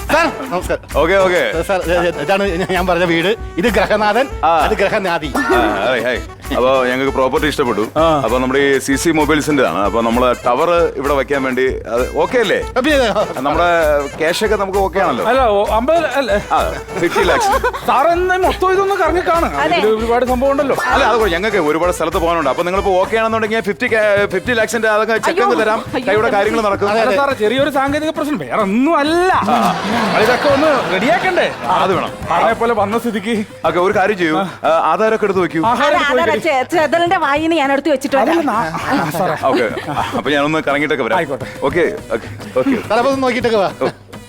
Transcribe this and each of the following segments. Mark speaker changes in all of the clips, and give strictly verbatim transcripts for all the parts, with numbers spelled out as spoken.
Speaker 1: Sir നമസ്കാരം.
Speaker 2: Okay okay
Speaker 1: sir ഇതാണ് ഞാൻ പറഞ്ഞ വീട്. ഇത് ഗ്രഹനാഥൻ, അത് ഗ്രഹനാഥി.
Speaker 2: അപ്പൊ ഞങ്ങൾക്ക് പ്രോപ്പർട്ടി ഇഷ്ടപ്പെട്ടു. അപ്പൊ നമ്മുടെ ഈ സി സി മൊബൈൽസിന്റെ ആണ്. അപ്പൊ നമ്മള് ടവർ ഇവിടെ വെക്കാൻ വേണ്ടി ഓക്കെ അല്ലേ? നമ്മുടെ ക്യാഷ് ഒക്കെ നമുക്ക് ഓക്കെ ആണല്ലോ?
Speaker 3: അല്ല അമ്പത് അല്ലേ?
Speaker 2: ഫിഫ്റ്റി ലാക്സ്
Speaker 3: സാറ് മൊത്തം ഇതൊന്ന് കറങ്ങി കാണും. ഒരുപാട് സംഭവം ഉണ്ടല്ലോ.
Speaker 2: അല്ല അത് ഞങ്ങൾക്ക് ഒരുപാട് സ്ഥലത്ത് പോകാനുണ്ട്. അപ്പൊ നിങ്ങളിപ്പോ ഓക്കെ ആണെന്നുണ്ടെങ്കിൽ ഫിഫ്റ്റി ഫിഫ്റ്റി ലാക്സിന്റെ അതൊക്കെ ചെക്ക് അങ്ങ് തരാം. കൈയുടെ കാര്യങ്ങൾ നടക്കും.
Speaker 3: സാറേ ചെറിയൊരു സാങ്കേതിക പ്രശ്നം, വേറെ ഒന്നും അല്ല. ഇതൊക്കെ ഒന്ന് റെഡിയാക്കണ്ടേ?
Speaker 2: അത് വേണം.
Speaker 3: അതേപോലെ വന്ന സ്ഥിതിക്ക്
Speaker 2: ഓക്കെ ഒരു കാര്യം ചെയ്യൂ, ആധാരമൊക്കെ എടുത്ത് വെക്കൂ.
Speaker 4: ചെതലിന്റെ വായിന്ന് ഞാൻ എടുത്ത് വെച്ചിട്ട്
Speaker 2: ഓക്കെ അപ്പൊ ഞാനൊന്ന് കറങ്ങിയിട്ടൊക്കെ വരാം. ഓക്കെ ഓക്കെ
Speaker 1: നോക്കിട്ടൊക്കെ വാ.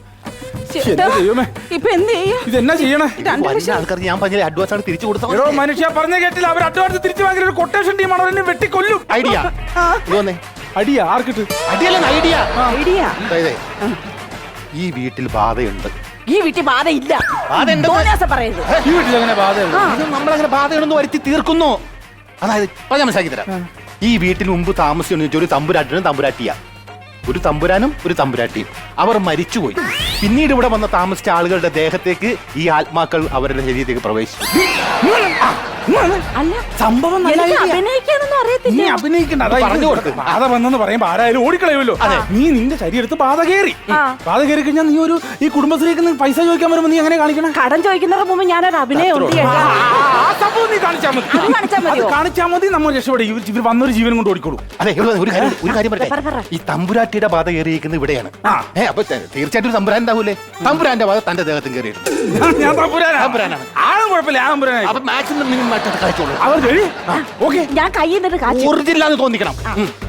Speaker 4: ഇപ്പൊ എന്ത് ചെയ്യും?
Speaker 3: ഇതെന്നാ ചെയ്യണേ?
Speaker 1: ആൾക്കാർക്ക് ഞാൻ പറഞ്ഞ അഡ്വാൻസ് ആണ് തിരിച്ചു കൊടുത്തത്.
Speaker 3: മനുഷ്യ പറഞ്ഞ കേട്ടില്ല. അവർ അഡ്വാൻസ് തിരിച്ചു വാങ്ങിയ ഒരു കൊട്ടേഷൻ ടീമാണ്. അവരെന്നെ വെട്ടിക്കൊല്ലും.
Speaker 1: ഐഡിയ
Speaker 3: അടിയാ ആർക്കിട്ട്?
Speaker 1: അടിയല്ല ഐഡിയ.
Speaker 4: ഐഡിയ.
Speaker 1: ഈ വീട്ടിൽ ബാധയുണ്ട്.
Speaker 4: ഈ വീട്ടിൽ ബാധയില്ല. പറയരുത്.
Speaker 3: ഈ വീട്ടിൽ അങ്ങനെ ബാധയുണ്ട്.
Speaker 1: നമ്മളങ്ങനെ ബാധയുണ്ടെന്ന് വരുത്തി തീർക്കുന്നു. അതായത് ഞാൻ മനസ്സിലാക്കി തരാം. ഈ വീട്ടിൽ മുമ്പ് താമസിച്ചു വെച്ചാൽ ഒരു തമ്പുരാട്ടിനും തമ്പുരാട്ടിയാ. ഒരു തമ്പുരാനും ഒരു തമ്പുരാട്ടിയും. അവർ മരിച്ചുപോയി. പിന്നീട് ഇവിടെ വന്ന താമസിച്ച ആളുകളുടെ ദേഹത്തേക്ക് ഈ ആത്മാക്കൾ അവരുടെ ശരീരത്തേക്ക് പ്രവേശിച്ചു.
Speaker 4: അല്ല
Speaker 3: സംഭവം
Speaker 4: അഭിനയിക്കാനൊന്നും അറിയത്തില്ല.
Speaker 3: നീ അഭിനയിക്കണ്ട. പറഞ്ഞു കൊടുത്ത് ബാധ വന്നെന്ന് പറയുമ്പോ ആരായാലും ഓടിക്കളയുമല്ലോ. നീ നിന്റെ ശരീരത്ത് ബാധ കയറി. ബാധ കയറി കഴിഞ്ഞാൽ നീ ഒരു ഈ കുടുംബശ്രീക്ക് പൈസ ചോദിക്കാൻ വരുമ്പോ നീ എങ്ങനെ കാണിക്കണം?
Speaker 4: കടം ചോദിക്കുന്നതിന് മുമ്പ് ഞാനൊരു അഭിനയം ഉണ്ട്.
Speaker 3: ആ സംഭവം നീ കാണിച്ചാൽ മതി. കാണിച്ചാൽ മതി. നമ്മൾ രക്ഷപ്പെടും. ഇവർ വന്നൊരു ജീവൻ കൊണ്ട് ഓടിക്കോളൂ.
Speaker 1: അതെ ഒരു കാര്യം ഒരു കാര്യം പറയട്ടെ. ഈ തമ്പുരാട്ടിയുടെ ബാധ കയറിയിരിക്കുന്നത് ഇവിടെയാണ്. ഏ അപ്പൊ തീർച്ചയായിട്ടും തമ്പുരാൻ ഉണ്ടാവൂലേ? തമ്പുരാന്റെ ബാധ തന്റെ ദേഹത്തും കയറിയിട്ടുണ്ട്.
Speaker 3: ഞാൻ തമ്പുരാനാണ്. ആളും കുഴപ്പമില്ല. ആ തമ്പുരാനായി.
Speaker 1: അപ്പൊ മാക്സിമം മിനിമം
Speaker 4: ഞാൻ കയ്യിൽ നിന്നിട്ട്
Speaker 1: ഒറിജിനലാന്ന് തോന്നിക്കണം.